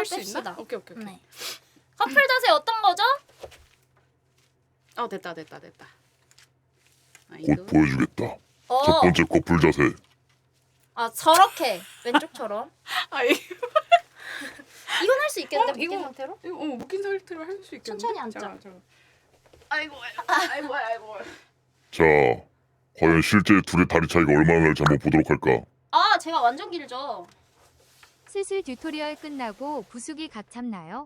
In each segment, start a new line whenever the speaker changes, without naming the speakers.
수 있나?
뺍시다.
오케이.
네. 커플 자세 어떤 거죠?
됐다.
곧 보여주겠다.
어.
첫 번째 커플 자세.
아 저렇게 왼쪽처럼.
아이
이건 할 수 있겠는데 묶인
이거-
상태로?
이거 묶인 상태로 할 수 있겠는데?
천천히 앉자.
잠깐. 아이고.
자, 과연 실제 둘의 다리 차이가 얼마나 날지 한번 보도록 할까?
아 제가 완전 길죠.
슬슬 튜토리얼 끝나고 부수기 각 잡나요?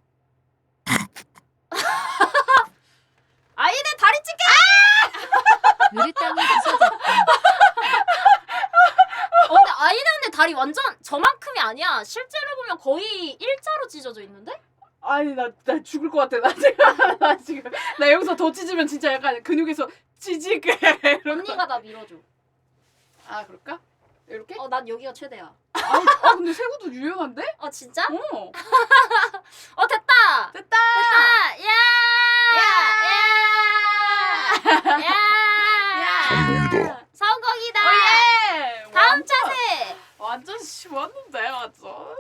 아이네 다리 찢게!
느릿땅이 부서졌다.
근데 아이네 다리 완전 저만큼이 아니야. 실제로 보면 거의 일자로 찢어져 있는데?
아니 나 죽을 것 같아. 나 지금 나 여기서 더 찢으면 진짜 약간 근육에서 찌지게 이런 거.
언니가 나 밀어줘.
아 그럴까? 이렇게?
난 여기가 최대야.
근데 세구도 유연한데?
진짜?
어.
됐다!
됐다.
성공이다.
성공이다!
예.
다음 자세!
완전 쉬웠는데 완전.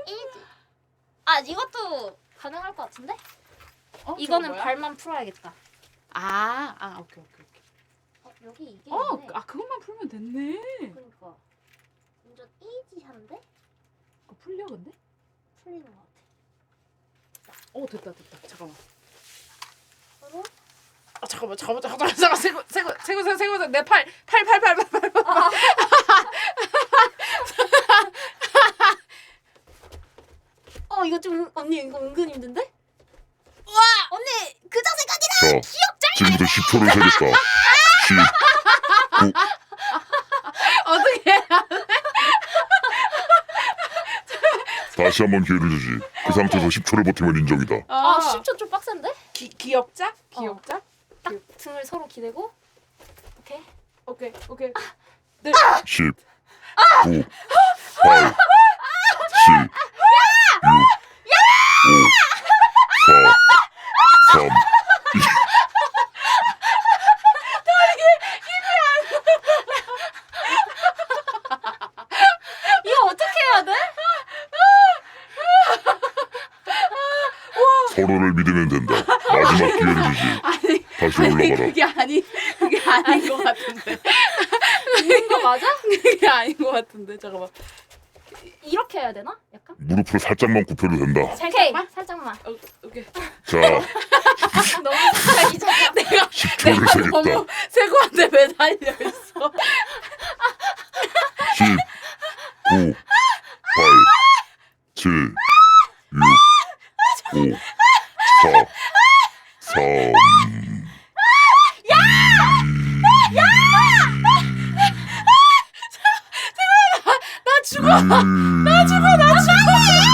이것도 가능할 것 같은데?
저거
이거는
뭐야?
발만 풀어야겠다.
오케이.
여기 이게 있네.
그것만 풀면 됐네.
그러니까 완전 이지한데?
풀려 근데?
풀리는 것 같아.
됐다. 잠깐만.
그리고
잠깐만. 세고 내 팔.
이거 좀 언니 이거 은근 힘든데? 와 언니 그 자세까지는
자, 지금부터 10초를 세겠다. 10, 9,
어떻게?
다시 한번 기회를 주지. 그 상태에서 10초를 버티면 인정이다.
10초 좀 빡센데?
기억자?
딱 등을 서로 기대고 오케이.
오케이. 네.
10, 9, 8, 7, 6, 5, 4, 3, 2.
이거 어떻게 해야 돼?
와.
서로를 믿으면 된다. 마지막 기회를 주지. 다시 올라가라.
그게 아닌 것 같은데.
있는 거 맞아?
그게 아닌 것 같은데. 잠깐만.
이렇게 해야 되나? 약간?
무릎을 살짝만 굽혀도 된다.
살짝만.
오케이.
자,
너무 살짝이잖아.
내가
10초를 세겠다.
너무 세구한테 매달려 있어.
10, 9, 8, 7, 6, 5, 4, 3,
나 죽어.
나 죽어.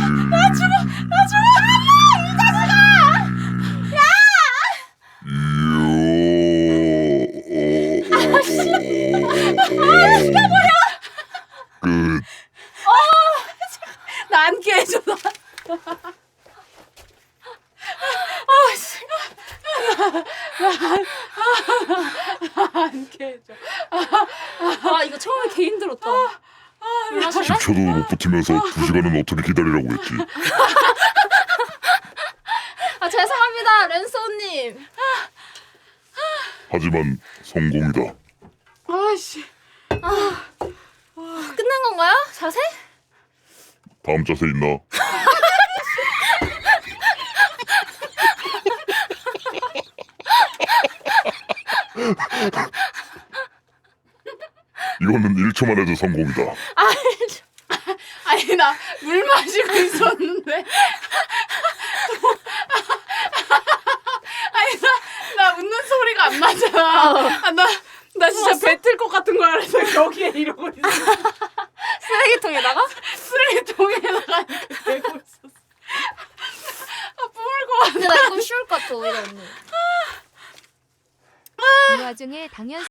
끝.
나 안 깨져. 안 깨져.
이거 처음에 개 힘들었다. 물 마실래?
10초도 못 버티면서 2시간은 어떻게 기다리라고 했지.
죄송합니다 랜소님.
하지만 성공이다.
아씨.
끝난 건가요? 자세?
다음 자세 있나? 이거는 1초만 해도 성공이다.
아니 나 물 마시고 있었는데. 아니 나 웃는 소리가 안 나잖아. 나 진짜 뱉을 것 같은 거 알아서 여기에 이러고 있어.
쓰레기통에다가?
쓰레기통에다가 이렇게 대고 있었어. 뿜을 것 같아.
근데 나 이거 쉬울 것 같아 오히려 언니.
이 와중에 당연